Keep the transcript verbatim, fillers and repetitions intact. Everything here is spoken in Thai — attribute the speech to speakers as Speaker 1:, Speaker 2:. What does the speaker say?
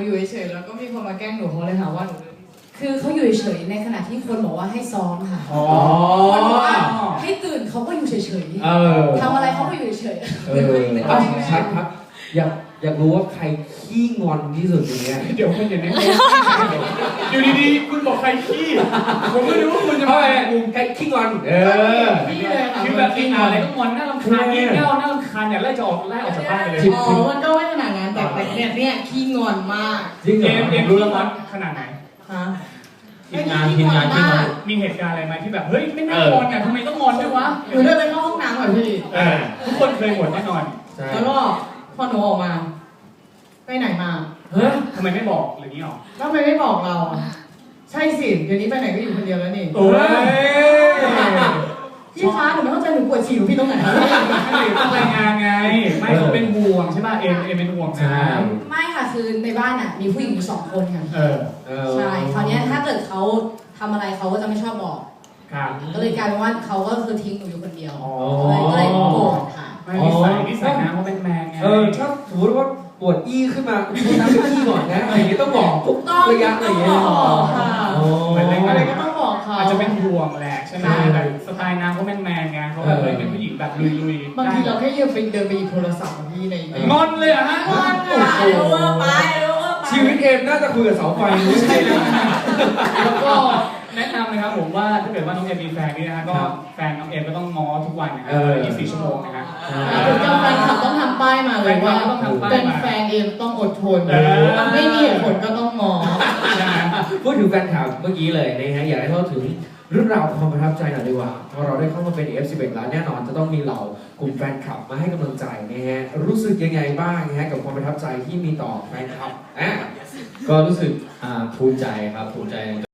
Speaker 1: อยู่เฉยๆแล้วก็มีคนมาแกล้งหนูเขาเลยหาว่าหนูดื้อ
Speaker 2: คือเขาอยู่เฉยๆในขณะที่คนบอกว่าให้ซ้อมค่ะ
Speaker 3: อ๋อ
Speaker 2: คนบอกว่าให้ตื่นเขาก็อยู่เฉย
Speaker 3: เออ
Speaker 2: ๆทำอะไรเขาก็อยู่เฉย
Speaker 3: เออเอาชัดครับอยากอยากรู้ว่าใครขี้งอนที่สุดอย่างเงี้ย
Speaker 4: เดี๋ยวคุณอย่าเน้นอยู่ดีๆคุณบอกใครขี้ผมไม่รู้ว่าคุณจะ
Speaker 3: เพราะ
Speaker 4: มา
Speaker 3: อะไรใครขี้งอนเออ
Speaker 1: นี่เลยค่ะ
Speaker 4: คือแบบกินอะไรก็งอนน่ารำคาญงี่เง่าน่ารำคาญเนี่ยไล่จะออกไล่ออกจากบ้านไปเลย
Speaker 1: อ๋อมันก็ไม่ขนาดนั้นแต่แต่เนี่ยเนี่ยขี้งอนมาก
Speaker 3: จริงเหร
Speaker 4: เอ
Speaker 3: อ
Speaker 4: มเอมรู้แล้วว่าขนาดไหน
Speaker 1: ฮะ
Speaker 3: ทีมงานทีมงานทีมงาน
Speaker 4: มีเหตุการณ์อะไรไหมที่แบบเฮ้ยไม่น่างอนกันทำไมต้องงอนด้วยวะ
Speaker 1: หนูเดินไปเข้าห้องน้ำก่อนพี่
Speaker 4: เออทุกคนเคยหมดแน่นอน
Speaker 3: ใช่
Speaker 1: แล้วก็พอหนูออกมา ไปไหนมา
Speaker 4: เฮ้ยทำไมไม่บอกหรือนี้หรอ
Speaker 1: ทำไมไม่บอกเราอะใช่สิเดี๋ยวนี้ไปไหนก็อยู่คนเดียวแล้วนี่
Speaker 4: โอ้ย
Speaker 1: พี่คะหนูไม่เข้าใจหนูปวดฉี่หนูพี่ตรงไหน
Speaker 4: ต้องรายงานไงไม่เขาเป็นห่วงใช่ป่ะเอมเอมเป็นห่วง
Speaker 3: ใช่
Speaker 4: นะ
Speaker 2: ๆไม่ค่ะคือในบ้านอ่ะมีผู้หญิงอยู่สองคนค่ะ
Speaker 4: เออ
Speaker 3: เออ
Speaker 2: ใช่คราวเนี้ยถ้าเกิดเขาทำอะไรเขาก็จะไม่ชอบบอก
Speaker 4: ครับ
Speaker 2: ก็เลยกลายเป็นว่าเขาก็คือทิ้งหนูอยู่คนเดียว
Speaker 3: อ๋อ
Speaker 2: เลยก็เลยโกรธค่ะ
Speaker 4: ไม่นิสัยนิสัยนะเขาเป็นแมนไง
Speaker 3: เออถ้าสมมติว่าปวดอี้ขึ้นมาคุณน้ำไปขี้ก่อนนะอะไรอย่างเงี้ยต้องบอกทุก
Speaker 2: ต้อง
Speaker 3: ระยะอะไรอย่างเงี้ย
Speaker 1: ต้องบอกค่ะ
Speaker 3: อ๋อ
Speaker 1: อะไรก็ต้องบอกเขา
Speaker 4: อาจจะเป็นห่วงแหละใช่ไหมแต่สไตล์นางเขาเป็นแมนไงเขาแบบเลยเป็นผู้หญิงแบบลุยๆ
Speaker 1: บางทีเราแค่ยืมไปเดินไปหยิบโทรศัพท์ของพี่ในใน
Speaker 4: งอนเลยเหรอะฮะ
Speaker 1: งอนค่ะ
Speaker 2: เร็วเวอร์ไปเร็วเวอร์ไป
Speaker 3: ชีวิตเอมน่าจะคุยกับเสาไฟไม่ใช่นะ
Speaker 4: แล้วก็แนะนำนะครับผมว่าถ้าเกิดว่าน้องเอมมีแฟนนี่นะฮะก็แฟนน้องเอมก็ต้องง้อทุกวันนะครับยี่สิบสี่ชั่วโมงนะครับ
Speaker 1: ถึงจะแฟนคลับต้องทำป้ายมาเลยว่า
Speaker 4: ต้องทำป้าย
Speaker 1: เป็น
Speaker 4: มา
Speaker 1: แฟนเองต้องอดทน
Speaker 4: เออ
Speaker 1: ไม่มีเหตุผลก็ต้องงอ
Speaker 3: พูดถึงแฟนข่าวเมื่อกี้เลยนะฮะอยากให้เล่าถึงเรื่องราวความประทับใจหน่อยดีกว่าพอเราได้เข้ามาเป็น เอฟ สิบเอ็ด แล้วแน่นอนจะต้องมีเหล่ากลุ่มแฟนคลับมาให้กำลังใจนะฮะรู้สึกยังไงบ้างนะฮะกับความประทับใจที่มีต่อแฟนคลับอ่ะ
Speaker 5: ก็รู้สึกอ่าภูมิใจครับภูมิใจ